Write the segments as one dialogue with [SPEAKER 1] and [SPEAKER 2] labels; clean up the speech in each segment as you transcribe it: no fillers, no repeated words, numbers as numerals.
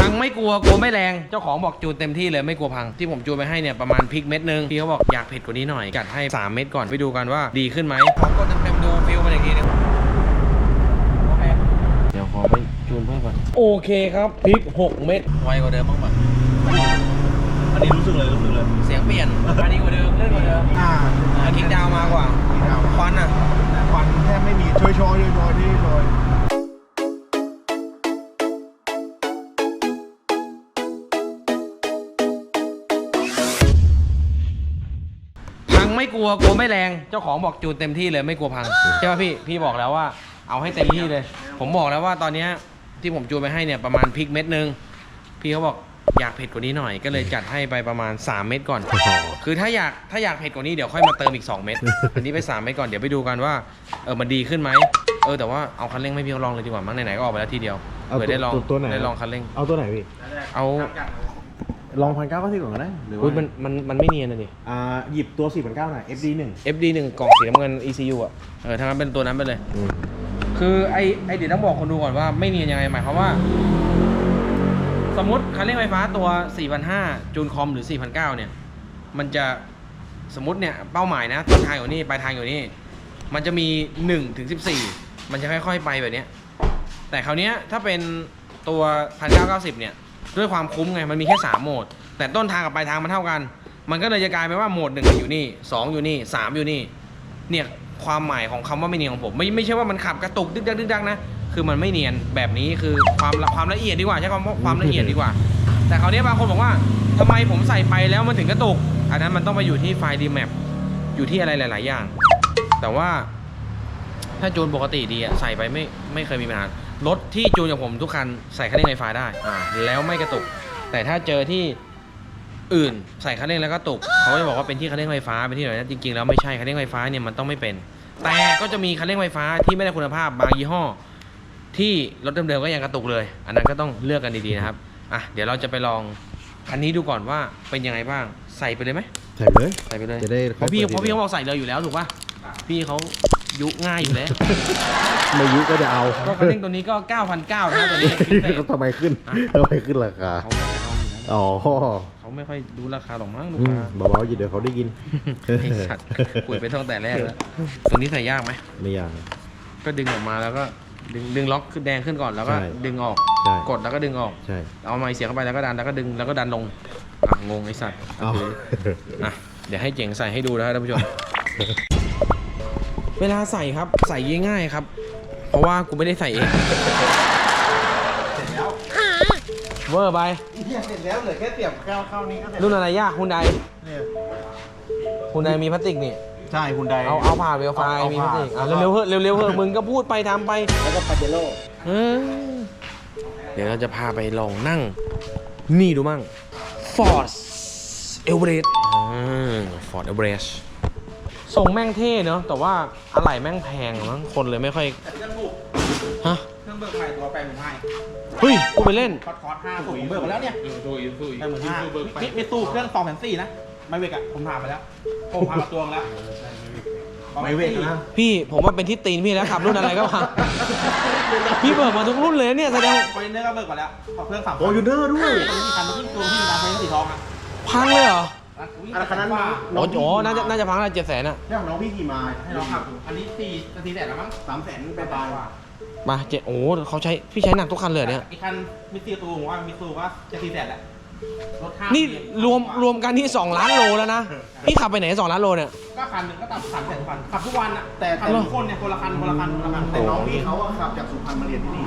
[SPEAKER 1] งไม่กลัวไม่แรงเจ้าของบอกจูนเต็มที่เลยไม่กลัวพังที่ผมจูนไปให้เนี่ยประมาณพริกเม็ดนึงพี่เขาบอกอยากเผ็ดกว่านี้หน่อยจัดให้3 เม็ดก่อนไปดูกันว่าดีขึ้นไหมขอกดเต็มๆดูฟิลมันอีกทีนึงโอเคเดี๋ยวขอไปจูนเพิ่มก่อนโอเคครับพริก6 เม็ดไวกว่าเดิมบ้างป่ะ
[SPEAKER 2] อันนี้รู้สึกเลย
[SPEAKER 1] เสียงเปลี่ยนอันนี้กว่าเดิมเลื่อนกว่าเดิมคิกดาวมากว่าควัน
[SPEAKER 2] แทบไม่มีโชยที่โชย
[SPEAKER 1] พังไม่กลัวไม่แรงเจ้าของบอกจูนเต็มที่เลยไม่กลัวพังใช่ป่ะพี่บอกแล้วว่าเอาให้เต็มที่เลยผมบอกแล้วว่าตอนนี้ที่ผมจูนไปให้เนี่ยประมาณพริกเม็ดนึงพี่เขาบอกอยากเผ็ดกว่านี้หน่อยก็เลยจัดให้ไปประมาณ3 เม็ดก่อนคือถ้าอยากเผ็ดกว่านี้เดี๋ยวค่อยมาเติมอีก2 เม็ดอันนี้ไป3 เม็ดก่อนเดี๋ยวไปดูกันว่ามันดีขึ้นไหมแต่ว่าเอาคันเร่งไม่พี่เขาลองเลยดีกว่ามั้งไหนๆก็ออกไปแล้วทีเดียวเผื่อได้ลองได้ลองคันเร่ง
[SPEAKER 2] เอาตัวไหนพี่
[SPEAKER 1] เอา
[SPEAKER 2] ลอง1,990ก่อนก็ได้หรือ
[SPEAKER 1] ว่ามันไม่เนียนนะดิ
[SPEAKER 2] หยิบตัว4,900หน่อย
[SPEAKER 1] FD1 กล่องสีน้ำเงิน ECU อ่ะถ้างั้นเป็นตัวนั้นไปเลยคือไอเดี๋ยวต้องบอกคนดูก่อนว่าไม่เนียนยังไงหมายความว่าสมมติคันเร่งไฟฟ้าตัว 4,500 จูนคอมหรือ 4,900 เนี่ยมันจะสมมติเนี่ยเป้าหมายนะต้นทางอยู่นี่ปลายทางอยู่นี่มันจะมี1 ถึง 14มันจะค่อยๆไปแบบนี้แต่คราวนี้ถ้าเป็นตัว 1,990 เนี่ยด้วยความคุ้มไงมันมีแค่3 โหมดแต่ต้นทางกับปลายทางมันเท่ากันมันก็เลยจะกลายเป็นว่าโหมด1อยู่นี่2อยู่นี่3อยู่นี่เนี่ยความหมายของคำว่าไม่เนียนของผมไม่ใช่ว่ามันขับกระตุกดึกดักนะคือมันไม่เนียนแบบนี้คือความละเอียดดีกว่าใช้คำว่าความละเอียดดีกว่าแต่คราวนี้บางคนบอกว่าทำไมผมใส่ไปแล้วมันถึงกระตุกอันนั้นมันต้องไปอยู่ที่ไฟล์ DMAP อยู่ที่อะไรหลายๆอย่างแต่ว่าถ้าจูนปกติดีใส่ไปไม่เคยมีปัญหารถที่จูนอย่างผมทุกคันใส่คันเร่งไฟฟ้าได้แล้วไม่กระตุกแต่ถ้าเจอที่อื่นใส่คันเร่งแล้วก็ตุกเขาจะบอกว่าเป็นที่คันเร่งไฟฟ้าเป็นที่ไหนนะจริงๆแล้วไม่ใช่คันเร่งไฟฟ้าเนี่ยมันต้องไม่เป็นแต่ก็จะมีคันเร่งไฟฟ้าที่ไม่ได้คุณภาพบางยี่ห้อที่รถเดิมๆก็ยังกระตุกเลยอันนั้นก็ต้องเลือกกันดีๆนะครับเดี๋ยวเราจะไปลองคันนี้ดูก่อนว่าเป็นยังไงบ้างใส่ไปเลยไหมใส่ไปเลยจะได้เพราะพี่เขาบอกใส่เลยอยู่แล้วถูกป่ะพี่เขายุง่ายอยู่แล้ว
[SPEAKER 2] ไม่ยุก็จะเอา
[SPEAKER 1] ก็คันเร่งตัวนี้ก็ 9,900 นะตัวนี้
[SPEAKER 2] ทำไมขึ้นราคาเขา
[SPEAKER 1] ไม่ค่อยดูราคาหรอกมั้งลูกค้า
[SPEAKER 2] เบาๆเดี๋ยวเขาได้ยิน
[SPEAKER 1] สัตว์คุยไปตั้งแต่แรกแล้วตัวนี้ใส่ยากไหม
[SPEAKER 2] ไม่ยาก
[SPEAKER 1] ก็ดึงออกมาแล้วก็ดึงล็อกขึ้นแดงขึ้นก่อนแล้วก็ดึงออกกดแล้วก็ดึงออกเอาไม้เสียบเข้าไปแล้วก็ดันแล้วก็ดึงแล้วก็ดันลงงงไอ้สัตว์เดี๋ยวให้เจ๋งใส่ให้ดูนะครับท่านผู้ชมเวลาใส่ครับใส่ง่ายๆครับเพราะว่ากูไม่ได้ใส่เอง
[SPEAKER 2] เสร็จแล้ว
[SPEAKER 1] เวอร์ไป
[SPEAKER 2] เสร็จแล้วเหลือแค่เสียบเข้านี้ก็เสร็จ
[SPEAKER 1] รุ่นอะไรยากฮุนไดมีพลาสติกนี่
[SPEAKER 2] ใช่ฮุนได
[SPEAKER 1] เอาผ่าเวลไฟมีพลาสติกเร็วเฮ้มึงก็พูดไปทำไป
[SPEAKER 2] แล้วก็ปาเจโร่
[SPEAKER 1] เดี๋ยวเราจะพาไปลองนั่งนี่ดูมั่ง Ford Everest Ford Everest ส่งแม่งเท่เนอะแต่ว่าอะไหล่แม่งแพงมั้งคนเลยไม่ค่อย
[SPEAKER 2] เครื่องถูกเครื่องเบิกใหม่ตัว8,500
[SPEAKER 1] เฮ้ยกูไปเล่น
[SPEAKER 2] คอร์ส5ผมเบิกมาแล้วเนี่ย8,500มีตู้เครื่อง2,400นะไม่เวกผมถามไปแล้วผมพาตัวแล้วไม่เวกนะ
[SPEAKER 1] พี่ผมว่าเป็นที่ตีนพี่แล้วขับรุ่นอะไรก็พังพี่เบิกมาทุกรุ่นเลยเนี่ยแสดง
[SPEAKER 2] คอนเทนเนอร์ก็เบิกมาแล้วเครื่อง3โอ้ยูเนอร์ด้วยมีคันที่ตัวที่มีร้านไฟสีทอง
[SPEAKER 1] พังเลยเหรอ
[SPEAKER 2] คันนั้น
[SPEAKER 1] น่าจะพังอะไร700,000น่ะ
[SPEAKER 2] เนี่ยของน้องพี่ขี่มาให้น้องขับอันนี้400,000แล้วมั้ง300,000ไป
[SPEAKER 1] มาเขาพี่ใช้หนักทุกคันเลยเนี่ย
[SPEAKER 2] อีกคันมิซูตูว่ามิซูว่าจะ400,000แล้ว
[SPEAKER 1] นี่รวมกันที่2 ล้านโลแล้วนะพี่ขับไปไหน2 ล้านโลเนี่ย
[SPEAKER 2] ก็คันหนึ่งก็ตัด300,000 คันขับทุกวันอะแต่ทุกคนเนี่ยคนละคันแต่น้องพี่เขาขับจากสุพรรณมาเรียนที่นี่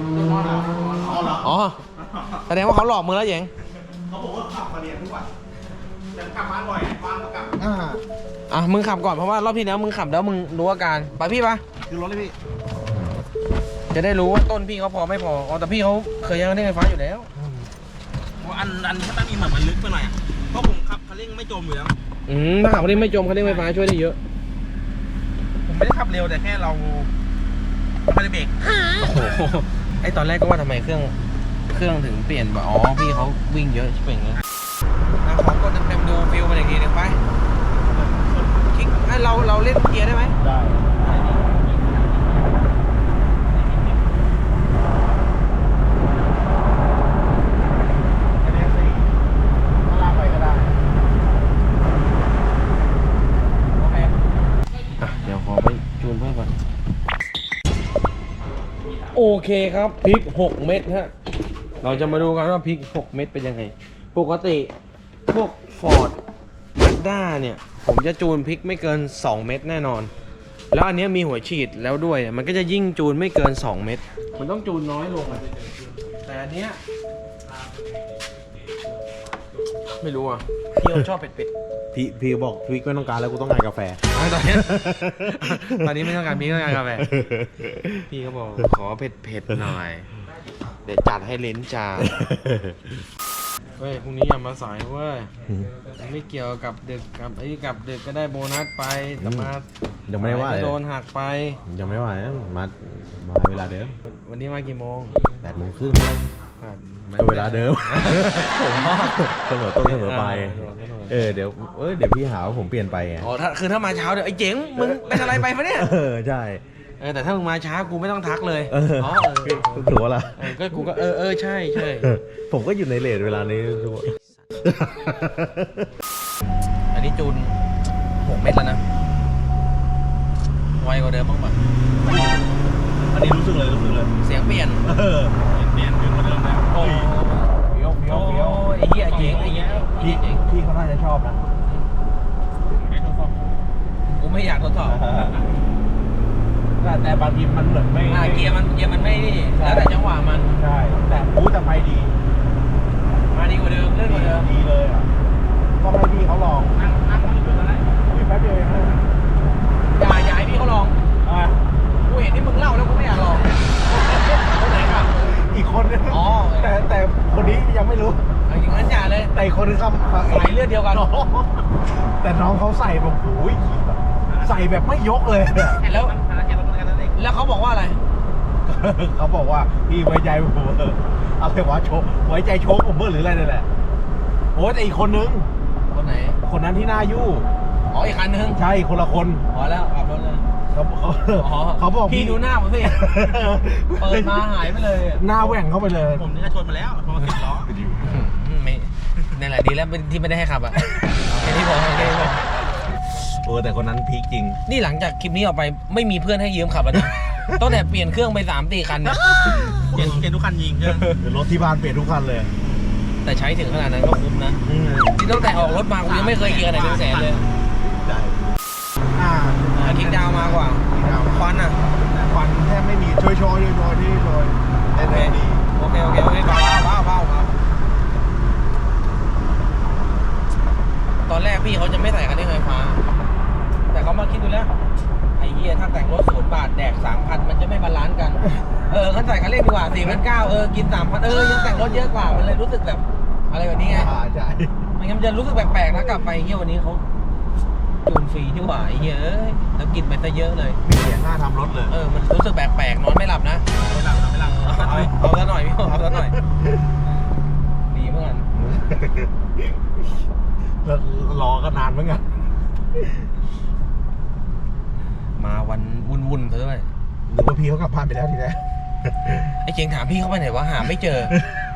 [SPEAKER 1] แสดงว่าเขาหลอกมึงแล้วเจ๋ง
[SPEAKER 2] เขาบอกว่าขับมาเรียนทุกวันแต่ขับบ้านบ่อยบ้านก็กลับ
[SPEAKER 1] มึงขับก่อนเพราะว่ารอบที่แล้วมึงขับแล้วมึงรู้อาการไปพี่ปะ
[SPEAKER 2] คือรถเลยพี่
[SPEAKER 1] จะได้รู้ว่าต้นพี่เขาพอไม่พอแต่พี่เขาเคยยังได้ไฟฟ้าอยู่แล้ว
[SPEAKER 2] อันถ้าตั้งมีเหมือนมันลึกไปหน่อยเพราะผมขับคันเร่งไม่จมอยู่แล้ว
[SPEAKER 1] ถ้าขับคันเร่งไม่จมคันเร่งไฟฟ้าช่วยได้เยอะ
[SPEAKER 2] ผมไม่ได้ขับเร็วแต่แค่เราไม่ได้เบรก
[SPEAKER 1] ไอตอนแรกก็ว่าทำไมเครื่องถึงเปลี่ยนพี่เขาวิ่งเยอะใช่ไหมเงี้ยขอกดเต็มๆดูฟิลมันอีกทีนึงไปคลิกเราเล่นเกียร์ได้ไหมได้เคครับพริก 6 เม็ดฮะเราจะมาดูกันว่าพริก 6 เม็ดเป็นยังไงปกติพวก Ford Mazda เนี่ยผมจะจูนพริกไม่เกิน 2 เม็ดแน่นอนแล้วอันนี้มีหัวฉีดแล้วด้วยมันก็จะยิ่งจูนไม่เกิน 2 เม็ดมันต้องจูนน้อยลงแต่อันเนี้ยไม่รู้อ่ะพี่เขาชอบเผ็ด
[SPEAKER 3] พี่บอกพี่ไม่ต้องการแล้วกูต้องการกาแฟ
[SPEAKER 1] ๆตอนนี้ไม่ต้องการพริกต้องการกาแฟพี่เขาบอกขอเผ็ดๆหน่อยเดี๋ยวจัดให้ลิ้นจ่าเฮ้ยพรุ่งนี้อย่ามาสายเว้ยไม่เกี่ยวกับดึกกับกับดึกก็ได้โบนัสไปแต่มา
[SPEAKER 3] ยังไม่ได้ว่า
[SPEAKER 1] ส
[SPEAKER 3] เลย
[SPEAKER 1] โดนหักไป
[SPEAKER 3] ยังไม่ว่านะมาเวลาเดิม
[SPEAKER 1] วันนี้มากี่โมง
[SPEAKER 3] 8:30
[SPEAKER 1] อ่ะ
[SPEAKER 3] ก็เวลาเดิมเสมอต้นเสมอปลายเดี๋ยวพี่หาว่าผมเปลี่ยนไปไง
[SPEAKER 1] อ๋อถ้ามาเช้าเดี๋ยวไอ้เจ๋งมึงเป็นอะไรไปปะเนี่ย
[SPEAKER 3] ใช่
[SPEAKER 1] แต่ถ้ามึงมาช้ากูไม่ต้องทักเลยอ๋อ
[SPEAKER 3] ถือว่าล่ะ
[SPEAKER 1] ก็กูก็ใช่
[SPEAKER 3] ผมก็อยู่ในเลทเวลานี้ทุกคน
[SPEAKER 1] อันนี้จูน6 เม็ดแล้วนะไวกว่าเดิมบ้างปะ
[SPEAKER 3] อันนี้รู้สึกเลย
[SPEAKER 1] เสียงเปลี่ยน
[SPEAKER 3] เปลี่ยนขึ้นมาเดิมแล้ว
[SPEAKER 1] โอ้
[SPEAKER 3] เฟี้ยว
[SPEAKER 1] ไอ้เหี้ยเจ๋งไอ้เหี้ย
[SPEAKER 3] พี่เขาน่าจะชอบนะ
[SPEAKER 1] กูไม่อยากทดสอบ
[SPEAKER 3] แต่บางทีมันเหมือนไม่
[SPEAKER 1] เกียร์มันไม่นี่แล้วแต่จังหวะมัน
[SPEAKER 3] ใช่แต่แต่ไปดี
[SPEAKER 1] มาดีกว่าเดิมเลื่อนกว่าเดิม
[SPEAKER 3] ดีเลยอ่ะก็ให้พี่เขาลอง
[SPEAKER 1] นั่งมันอยู่ตรงนั้น
[SPEAKER 3] พี่แป๊บเดียวเองนะ
[SPEAKER 1] อย่าให้พี่เขาลอง กูเห็นที่มึงเล่าแล้วกูไม่อยากลองคนไหนครับ
[SPEAKER 3] อีกคนนึง
[SPEAKER 1] อ๋อ
[SPEAKER 3] แต่คนนี้ยังไม่รู้
[SPEAKER 1] อย่างนั้นอย่าเลย
[SPEAKER 3] แต่อีกคนนึงครับ
[SPEAKER 1] สายเลือดเดียวกัน
[SPEAKER 3] แต่น้องเขาใส่แบบโอ้ยใส่แบบไม่ยกเลย
[SPEAKER 1] แล้วเขาบอกว่าอะไร
[SPEAKER 3] เขาบอกว่าพี่ไว้ใจผมอะไรวะโชว์ไว้ใจโชว์ผมเบอร์หรืออะไรนี่แหละโอ้แต่อีกคนนึง
[SPEAKER 1] คนไหน
[SPEAKER 3] คนนั้นที่หน้ายู่
[SPEAKER 1] อ๋ออีกคันนึง
[SPEAKER 3] ใช่คนละคน
[SPEAKER 1] พอแล้วขับรถเลย
[SPEAKER 3] เขาบอก
[SPEAKER 1] พี่ดูหน้าผมสิ เปิดมาหายไปเลย
[SPEAKER 3] หน้าแหว่งเข้าไปเลย
[SPEAKER 2] ผมนี่ก็ชนมาแล้วชนมา10 ล้อ
[SPEAKER 1] ไม่นั่นแหละดีแล้วที่ไม่ได้ให้ขับอ่ะแค่นี้พอ
[SPEAKER 3] แต่คนนั้นพีคจริง
[SPEAKER 1] นี่หลังจากคลิปนี้ออกไปไม่มีเพื่อนให้ยืมขับแล้วนะตั้งแต่เปลี่ยนเครื่องไป3-4 คันเนี่ย
[SPEAKER 2] เปลี่ยนทุกคันยิงเครื่อง
[SPEAKER 3] รถที่บ้านเปลี่ยนทุกคันเลย
[SPEAKER 1] แต่ใช้ถึงขนาดนั้นก็คุ้มนะที่ตั้งแต่ออกรถมากูยังไม่เคยเกียร์ไหนเป็นแสนเลย
[SPEAKER 3] ใช่
[SPEAKER 1] คิกดาวมากกว่าควันอ่ะ
[SPEAKER 3] ควันแทบไม่มีช่วยที่โดยแต่ดี
[SPEAKER 1] โอเคเบาตอนแรกพี่เขาจะไม่ใส่คันเร่งไฟฟ้าแต่เขามาคิดดูแล้วไอ้เหี้ยถ้าแต่งรถ0 บาทแดก 3,000 มันจะไม่บาลานซ์กันเขาใส่คันเร่งดีกว่า4,900กิน 3,000ยังแต่งรถเยอะกว่ามันเลยรู้สึกแบบอะไรแบบนี้ไง
[SPEAKER 3] ใช่
[SPEAKER 1] ไม่งั้นมันจะรู้สึกแปลกๆนะกลับไปเหี้ยวันนี้เขาจูนฟรีที่หว่าไอ้เหี้ยแล้วกินไปซะเยอะเลย
[SPEAKER 3] มีเสียงหน้าทำรถเลย
[SPEAKER 1] มันรู้สึกแปลกๆนอนไม่หลับนะ
[SPEAKER 2] ไม่หลัง
[SPEAKER 1] เอาซะหน่อยพี่เอาซะหน่อยดีเหมือนกัน
[SPEAKER 3] แล้วรอก็นานเหมือนกัน
[SPEAKER 1] มาวันวุ่นๆซะด้วย
[SPEAKER 3] หรือว่าพี่เขากลับบ้านไปแล้วทีแรก
[SPEAKER 1] ไอ้เจงถามพี่เขาไปไหนวะหาไม่เจอ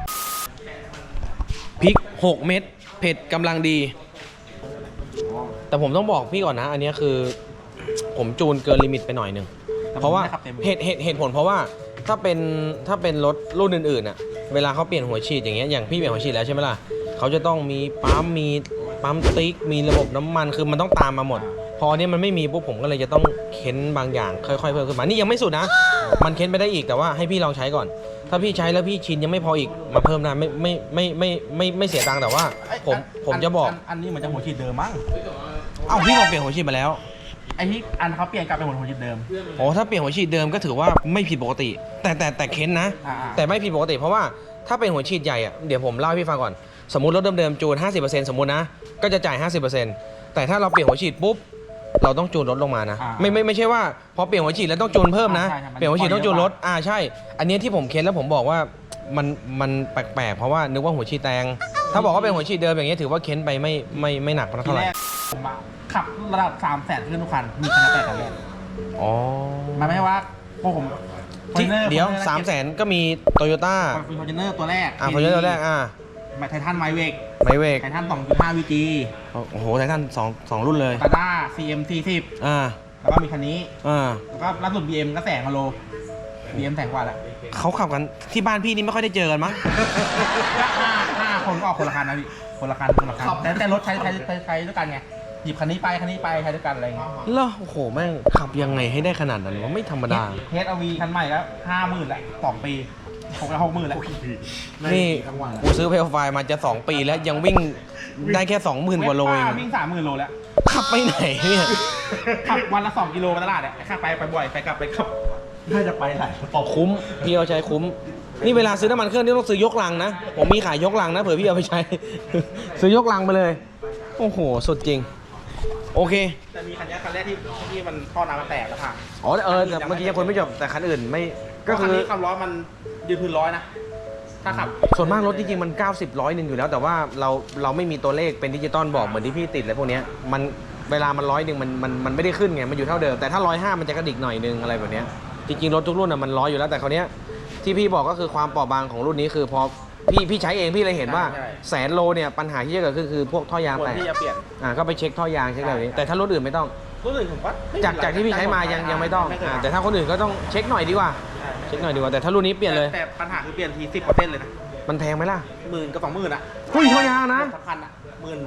[SPEAKER 1] พริก 6 เม็ดเผ็ดกำลังดี แต่ผมต้องบอกพี่ก่อนนะ อันนี้คือผมจูนเกินลิมิตไปหน่อยหนึ่งเพราะว่าเหตุผลเพราะว่าถ้าเป็นรถรุ่นอื่นๆอ่ะเวลาเขาเปลี่ยนหัวฉีดอย่างเงี้ยอย่างพี่เปลี่ยนหัวฉีดแล้วใช่ไหมล่ะเขาจะต้องมีปั๊มติ๊กมีระบบน้ำมันคือมันต้องตามมาหมด พอเนี้ยมันไม่มีปุ๊บผมก็เลยจะต้องเค้นบางอย่างค่อยๆเพิ่มขึ้นมานี่ยังไม่สุดนะมันเค้นไปได้อีกแต่ว่าให้พี่ลองใช้ก่อนถ้าพี่ใช้แล้วพี่ชินยังไม่พออีกมาเพิ่มได้ไม่เสียตังค์แต่ว่าผมจะบอก
[SPEAKER 2] อันนี้มันจะหัวฉีดเดิมมั้ง
[SPEAKER 1] เอ้าพี่บอกเปลี่ยนหัวฉีดมาแล้ว
[SPEAKER 2] ไอ้ที่อันเขาเปลี่ยนกลับเป็นหัวฉีดเดิม
[SPEAKER 1] โอ้ถ้าเปลี่ยนหัวฉีดเดิมก็ถือว่าไม่ผิดปกติ แต่เค้นนะ แต่ไม่ผิดปกติเพราะว่าถ้าเป็นหัวฉีดใหญ่อะเดี๋ยวผมเล่าให้พี่ฟังก่อนสมมุติรถเดิมๆจูน 50% สมมุตินะก็จะจ่าย 50% แต่ถ้าเราเปลี่ยนหัวฉีดปุ๊บเราต้องจูนลดลงมานะไม่ใช่ว่าพอเปลี่ยนหัวฉีดแล้วต้องจูนเพิ่มนะเปลี่ยนหัวฉีดต้องจูนลดใช่อันนี้ที่ผมเค้นแล้วผมบอกว่ามันแปลกๆเพราะว่านึกว่าหัวฉีดแตงถ้าบอกว่าเป็นหัวฉีดเดิมอย่างเงี้ยถือว่าเค้นไปไม่หนัก
[SPEAKER 2] ที
[SPEAKER 1] เท่าไห
[SPEAKER 2] แร
[SPEAKER 1] ร่
[SPEAKER 2] กผมขับระดับ300,000ขึ้นทุกคันมีคันละ8,000
[SPEAKER 1] อ๋อ
[SPEAKER 2] มันไม่ใช่ว่าพวกผม
[SPEAKER 1] ที่เดี๋ยว 300,000 ก็มีโตโยต้า
[SPEAKER 2] ฟอร์จูเนอร์ตัวแรก
[SPEAKER 1] ฟอร์จูเนอร์ตัวแรก
[SPEAKER 2] ไททันไมเวก
[SPEAKER 1] ไมเวก
[SPEAKER 2] ไททัน 2.5 VG
[SPEAKER 1] โอ้โหไททัน2รุ่นเลย
[SPEAKER 2] ตาด้า CM 40แล้วก็มีคันนี้แล้วก็ล่าสุด BM ก็แสงกว่าโล BM แสงกว่าแหละ
[SPEAKER 1] เขาขับกันที่บ้านพี่นี่ไม่ค่อยได้เจอกันมั้ง
[SPEAKER 2] ห้าคนก็ออกคนละคันนะพี่คนละคันแต่รถใช้ด้วยกันไงหยิบคันนี้ไปใช้ด้วยกันอะไรเงี้ย
[SPEAKER 1] เหรอโอ้โหแม่งขับยังไงให้ได้ขนาดนั้นวะไม่ธรรมดา
[SPEAKER 2] เฮดวีคันใหม่แล้ว50,000แหละ2 ปี60,000แล้ว
[SPEAKER 1] นี่กูซื้อเพลไฟมาจะ2 ปีแล้วยังวิ่งได้แค่ 20,000 กว่าโลเอง
[SPEAKER 2] วิ่ง30,000 โลแล้ว
[SPEAKER 1] ขับไปไหนเนี่ย
[SPEAKER 2] ขับวันละ2 กิโลมาตลาดเนี่ยข้าไปบ่อยไปกลับน่าจะไปหลายตบ
[SPEAKER 1] คุ้มพี่เอาใช้คุ้มนี่เวลาซื้อน้ำมันเครื่องนี่ต้องซื้อยกลังนะผมมีขายยกลังนะเผื่อพี่เอาไปใช้ ซื้อยกลังไปเลยโอ้โหสุดจริงโอเค
[SPEAKER 2] แต่มีคันแรกที่มันท่อน้ำมันแตกแล้วค่ะ
[SPEAKER 1] อ๋อแต่เมื่อกี้ยังคนไม่จบแต่คันอื่นไม่ก็
[SPEAKER 2] คั
[SPEAKER 1] คื
[SPEAKER 2] น
[SPEAKER 1] อ
[SPEAKER 2] นี้ความร้อนมันยืนพื้น100นะถ้าขับ
[SPEAKER 1] ส่วนมากรถจริงๆมัน90 100อยู่แล้วแต่ว่าเราไม่มีตัวเลขเป็นดิจิตอลบอกเหมือนที่พี่ติดอะไรพวกเนี้ยมันเวลามัน100มันไม่ได้ขึ้นไงมันอยู่เท่าเดิมแต่ถ้า105มันจะกระดิกหน่อยนึงอะไรแบบเนี้ยจริงๆรถทุกรุ่นมัน100อยู่แล้วแต่คราวเนี้ยที่พี่บอกก็คือความเปราะบางของรุ่นนี้คือพอพี่ใช้เองพี่เลยเห็นว่าแสนโลเนี่ยปัญหาที่จะเกิดขึ้นคือพวกท่อยาง
[SPEAKER 2] ควร
[SPEAKER 1] แตก
[SPEAKER 2] ที่จะเปลี่ยน
[SPEAKER 1] ก็ไปเช็คท่อยางเช็คอะไรแบบนี้แต่ถ้ารถอื่นไม่ต้อง
[SPEAKER 2] รุ่นอื่นผมว่าไม่
[SPEAKER 1] จากที่พี่ใช้มายังไม่ต้องแต่ถ้าคนอื่นก็ต้องเช็คหน่อยดีกว่าเช็คหน่อยดีกว่าแต่ถ้ารุ่นนี้เปลี่ยนเลย
[SPEAKER 2] แต่ปัญหาคือเปลี่ยนที10%เลยนะ
[SPEAKER 1] มันแพงไหมล่ะ
[SPEAKER 2] 10,000 กับ 20,000อ่ะ
[SPEAKER 1] หุ้ยท่อยางนะ
[SPEAKER 2] สำคัญอ่ะ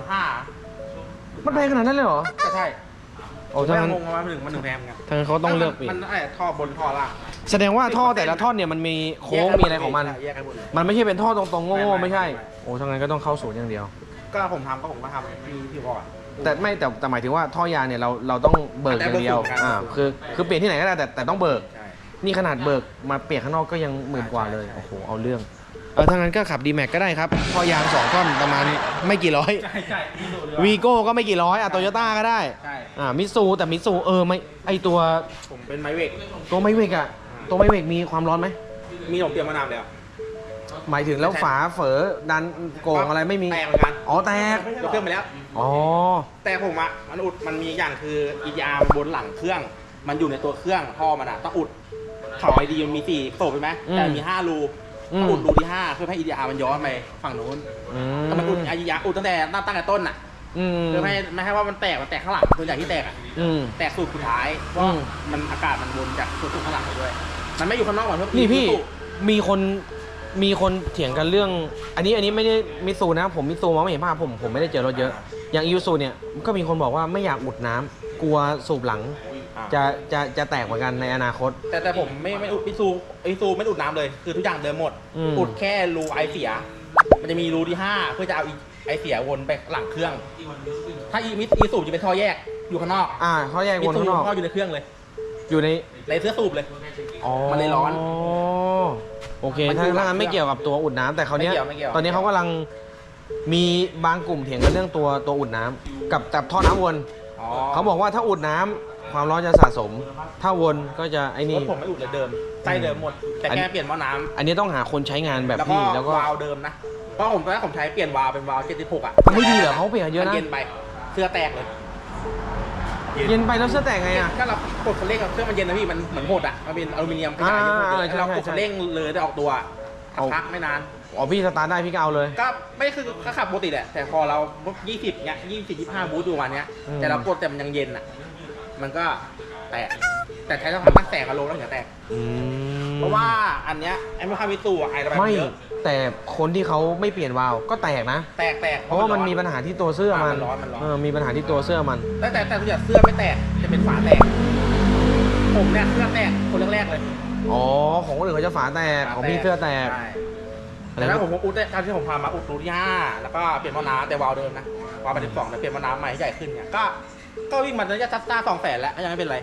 [SPEAKER 2] 15,000
[SPEAKER 1] มันแพงขนาดนั้นเลยเหรอ
[SPEAKER 2] ก็ใช่
[SPEAKER 1] โอ้ถ้างั้น
[SPEAKER 2] งงว่ามันถึงแพงเหมือนกัน
[SPEAKER 1] ถ้างั้นเขาต้องเลือกเปลี่ยน
[SPEAKER 2] มันท่อบนท่อล่าง
[SPEAKER 1] แสดงว่าท่อแต่ละท่อนเนี่ยมันมีโค้งมีอะไรของมัน
[SPEAKER 2] แยกกันหมดเลย
[SPEAKER 1] มันไม่ใช่เป็นท่อตรงๆโง่ๆไม่ใช่
[SPEAKER 2] ไม่
[SPEAKER 1] โอ้ทั้งนั้นก็ต้องเข้าศูนย์อย่างเดียว
[SPEAKER 2] ก็ผมทำที่บอกอ่ะ
[SPEAKER 1] แต่หมายถึงว่าท่อยางเนี่ยเราต้องเบิกอย่างเดียว
[SPEAKER 2] แต่เบิกศูนย์กัน
[SPEAKER 1] คือเปลี่ยนที่ไหนก็ได้แต่ต้องเบิก
[SPEAKER 2] ใช่
[SPEAKER 1] นี่ขนาดเบิกมาเปลี่ยนข้างนอกก็ยัง10,000 กว่าเลยโอ้โหเอาเรื่องทั้งนั้นก็ขับ D-Max ก็ได้ครับท่อยาง2 ท่อนประมาณไม่กี่ร้อย
[SPEAKER 2] ใช่ที่ดูเลย
[SPEAKER 1] วีโก้ก็ไม่กี่ร้อยโตโยต้าก็ได้
[SPEAKER 2] ใช่
[SPEAKER 1] มิตซูแต่มิตซูไม่ไอตัว
[SPEAKER 2] ผมเป็นไมเวก
[SPEAKER 1] ตัวไมเวกอะตัวไมเวกมีความร้อนไหม
[SPEAKER 2] มีผมเตรียมมานานแล้ว
[SPEAKER 1] หมายถึงแล้วฝาเฝอดันโกงอะไรไม่มี
[SPEAKER 2] แตกเหมือนกัน
[SPEAKER 1] อ๋อแตก
[SPEAKER 2] ยกเครื่องไปแล้ว
[SPEAKER 1] อ๋อ
[SPEAKER 2] แต่ผมอ่ะมันมีอย่างคือ EDR บนหลังเครื่อง มันอยู่ในตัวเครื่องท่อมันอ่ะต้องอุดเขาไอดีมันมี4โสบใช่ไหมแต่มี5 รูต้องอุดรูที่5เพื่อให้ EDR มันย้อนไปฝั่งนู้นแต่มันอุด EDR อุดตั้งแต่ต้นอ่ะเพื่อไม่ให้ว่ามันแตกข้างหลังตัวใหญ่ที่แตกอ่ะแตกสูตรสุดท้ายเพราะมันอากาศมันวนจากสูตรข้างหลังไปด้วยมันไม่อยู่ข้างนอกก่อนเพื่อ
[SPEAKER 1] นี่พี่มีคนเถียงกันเรื่องอันนี้ไม่ได้มิตซูนะผมมิตซูมองไม่เห็นภาพผมไม่ได้เจอรถเยอะอย่างอิวซูเนี่ยก็มีคนบอกว่าไม่อยากอุดน้ำกลัวสูบหลังจะแตกเหมือนกันในอนาคต
[SPEAKER 2] แต่ผมไม่อุดอิซูไม่อุดน้ำเลยคือทุกอย่างเดิมหมดอุดแค่รูไอเสียมันจะมีรูที่5เพื่อจะเอาไอเสียวนไปหลังเครื่องถ้าอีสูบจะเป็นท่อแยกอยู่ข้างนอก
[SPEAKER 1] ท่อแยกวนข้างนอก
[SPEAKER 2] ท่ออยู่ในเครื่องเลย
[SPEAKER 1] อยู่ใน
[SPEAKER 2] เสื้อสูบเลย
[SPEAKER 1] มันเลยร้อนโอเคถ้างั้นไม่เกี่ยวกับตัวอุดน้ำแต่เขาเนี้ยตอนนี้เขากำลังมีบางกลุ่มเถียงกันเรื่องตัวอุดน้ำกับท่อน้ำวนเขาบอกว่าถ้าอุดน้ำความร้อนจะสะสมถ้าวนก็จะไอ้นี่
[SPEAKER 2] ผมไม่อุดเลยเดิมไส้เดิมหมดแต่แค่เปลี่ยนหม้อน้ำ
[SPEAKER 1] อันนี้ต้องหาคนใช้งานแบบพี่แล้วก็
[SPEAKER 2] วาล์วเดิมนะเพราะผมตอนแรกผมใช้เปลี่ยนวาล์วเป็นวาล์ว76อ่ะ
[SPEAKER 1] ไม่ดีเหรอเขาเปลี่ยนเยอะนะ
[SPEAKER 2] เย็นไปเสื้อแตกเลย
[SPEAKER 1] เย็นไปแล้วเสื้อแตกไงอ่ะ
[SPEAKER 2] ก็เรากดคันเร่งเครื่องมันเย็นนะพี่มันเหมือนหดอ่ะมันเป็นอลูมิเนียมขยายอยู่เรากดคันเร่งเลยได้ออกตัวพักไม่นาน
[SPEAKER 1] พี่สตาร์ทได้พี่ก็เอาเลย
[SPEAKER 2] ก็ไม่คือก็ขับปกติแหละแต่พอเรา20เนี้ย25บูทอยู่วันเนี้ยแต่เรากดแต่มันยังเย็นอ่ะมันก็แตกแต่ใช้ต้องตั้งแตกอารมณ์แล้วถึงจะแตกเพราะว่าอันเนี้ยไอ้ไม่ค่ามิตูไอ้ระบาย
[SPEAKER 1] ไม่
[SPEAKER 2] เยอะ
[SPEAKER 1] แต่คนที่เขาไม่เปลี่ยนวาล์วก็แตกนะ
[SPEAKER 2] แตก
[SPEAKER 1] เพราะว่ามันมีปัญหาที่ตัวเสื้อมันมีปัญหาที่ตัวเสื้อมัน
[SPEAKER 2] แต่ทุกอย่างเสื้อไม่แตกจะเป็นฝาแตกผมเนี่ยเสื้อแตกคนแรกๆเลย
[SPEAKER 1] ของคนอื่นเขาจะฝาแตกของพี่เสื้อแตก
[SPEAKER 2] แล้วผมอุดได้ที่ผมพามาอุดรูที่5แล้วก็เปลี่ยนหม้อน้ำแต่วาล์วเดิมนะวาล์ว12แต่เปลี่ยนหม้อน้ำใหม่ให้ใหญ่ขึ้นเนี่ยก็วิ่งมาระยะซ่า200,000แล้วยังไม่เป็นไร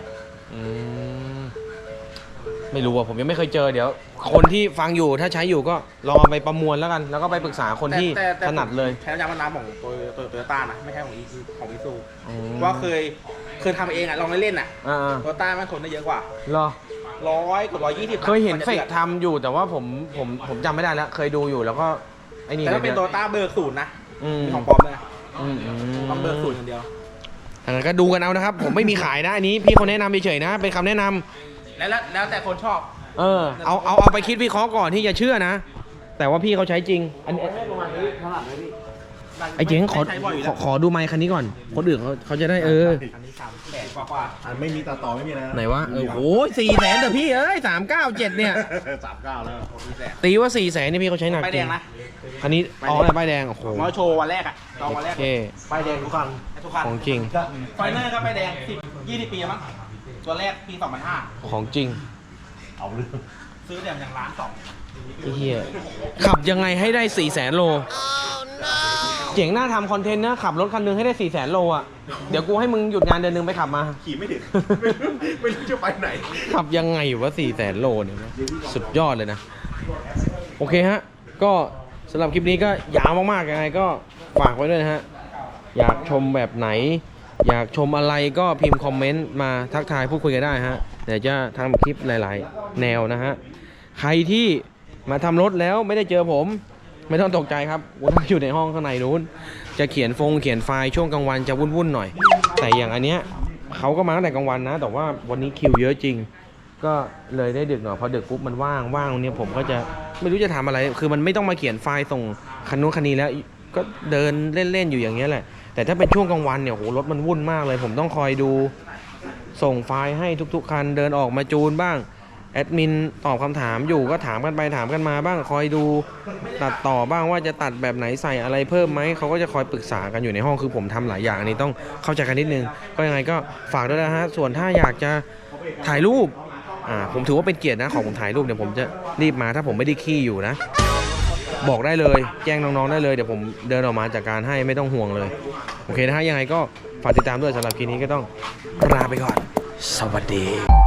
[SPEAKER 1] ไม่รู้อ่ะผมยังไม่เคยเจอเดี๋ยวคนที่ฟังอยู่ถ้าใช้อยู่ก็ลองเอาไปประมวลแล้วกันแล้วก็ไปปรึกษาคนที่ถนัดเลย
[SPEAKER 2] ใช้น้ำมันน้ำของตัวโตโยต้านะไม่ใช่ของอีซูว่าเคยทำเองอ่ะลองเล่นๆอ่ะโตโยต้ามันทนได้เยอะกว่า
[SPEAKER 1] เหรอ
[SPEAKER 2] 100 กับ 120
[SPEAKER 1] เคยเห็นเฟกทำอยู่แต่ว่าผมจำไม่ได้แล้วเคยดูอยู่แล้วก็ไอ้นี่
[SPEAKER 2] แต่ถ้าเป็นโตโยต้าเบอร์0นะมีของปลอมเลยต้องเบอร์0อย่างเดียว
[SPEAKER 1] ทางนั้นก็ดูกันเอานะครับผมไม่มีขายนะอันนี้พี่เขาแนะนำเฉยๆนะเป็นคำแนะนำ
[SPEAKER 2] แล้วแต่คนชอบ
[SPEAKER 1] เอาไปคิดวิเคราะห์ก่อนที่จะเชื่อนะแต่ว่าพี่เขาใช้จริงอันนี้
[SPEAKER 2] ประมาณนี้เท่าไหร่พี่
[SPEAKER 1] ไอ้เจ๋งขอ
[SPEAKER 2] ใช้บ่อยอยู่
[SPEAKER 1] ข
[SPEAKER 2] แล้
[SPEAKER 1] อ
[SPEAKER 2] ว
[SPEAKER 1] ขอดูไมค์คันนี้ก่อน คนอื่นเขาจะได้
[SPEAKER 2] อันนี้300,000กว่า
[SPEAKER 3] อันไม่มีต่อไม่มีอะไร
[SPEAKER 1] ไหนวะโอ้ย400,000เด้อพี่เอ้ย397เนี่ย
[SPEAKER 3] 39แล้ว
[SPEAKER 1] ตีว่า400,000นี่พี่เขาใช้หนัก
[SPEAKER 2] ป้าย
[SPEAKER 1] จ
[SPEAKER 2] แด
[SPEAKER 1] ริ
[SPEAKER 2] ง
[SPEAKER 1] ง
[SPEAKER 2] นะ
[SPEAKER 1] อันนี้อ๋ออะไรป้ายแดงโอ้โห
[SPEAKER 2] มาโชว์วันแรกอะลองวันแร
[SPEAKER 1] โอก เค
[SPEAKER 3] ป้ายแดงทุกคัน
[SPEAKER 2] ทุกคัน
[SPEAKER 1] ของจริง
[SPEAKER 2] ไฟเนอร์ก็ป้ายแดง20 ปีมั้งตัวแรกปี 2005
[SPEAKER 1] ของจริง
[SPEAKER 3] เอาเรื่อง
[SPEAKER 2] ซื้อแต่อย่างล้านสอง
[SPEAKER 1] ไอ้เหี้ยขับยังไงให้ได้400,000โลเจ๋งหน้าทำคอนเทนต์นะขับรถคันหนึงให้ได้400,000โลอ่ะเดี๋ยวกูให้มึงหยุดงานเดือนนึงไปขับมา
[SPEAKER 3] ขี่ไม่ถึง ไม่รู้จะไปไหน
[SPEAKER 1] ขับยังไงวะ400,000โลเนี่ยสุดยอดเลยนะ โอเคฮะ ก็สำหรับคลิปนี้ก็ยาวมากๆยังไงก็ฝากไว้ด้วยนะฮะ อยากชมแบบไหน อยากชมอะไรก็พิมพ์คอมเมนต์มาทักทายพูดคุยกันได้ฮะเดี๋ยวจะทำคลิปหลายๆ แนวนะฮะ ใครที่มาทำรถแล้วไม่ได้เจอผม ไม่ต้องตกใจครับผมอยู่ในห้องข้างในนู้น จะเขียนไฟล์ช่วงกลางวันจะวุ่นๆหน่อย แต่อย่างอันเนี้ยเขาก็มาตั้งแต่กลางวันนะ แต่ว่าวันนี้คิวเยอะจริง ก็เลยได้ดึกหน่อยพอดึกปุ๊บมันว่างตรงนี้ผมก็จะไม่รู้จะทำอะไร คือมันไม่ต้องมาเขียนไฟล์ส่งคันนู้นคันนี้แล้วก็เดินเล่นๆอยู่อย่างเงี้ยแหละ แต่ถ้าเป็นช่วงกลางวันเนี่ยโหรถมันวุ่นมากเลย ผมต้องคอยดูส่งไฟล์ให้ทุกๆคันเดินออกมาจูนบ้างแอดมินตอบคำถามอยู่ก็ถามกันไปถามกันมาบ้างคอยดูตัดต่อบ้างว่าจะตัดแบบไหนใส่อะไรเพิ่มไหมเขาก็จะคอยปรึกษากันอยู่ในห้องคือผมทำหลายอย่างอันนี้ต้องเข้าใจกันนิดนึงก็ยังไงก็ฝากด้วยนะฮะส่วนถ้าอยากจะถ่ายรูปผมถือว่าเป็นเกียรตินะของผมถ่ายรูปเดี๋ยวผมจะรีบมาถ้าผมไม่ได้ขี้อยู่นะบอกได้เลยแจ้งน้องๆได้เลยเดี๋ยวผมเดินออกมาจากการให้ไม่ต้องห่วงเลยโอเคนะฮะยังไงก็ฝากติดตามด้วยสำหรับคลิปนี้ก็ต้องลาไปก่อนสวัสดี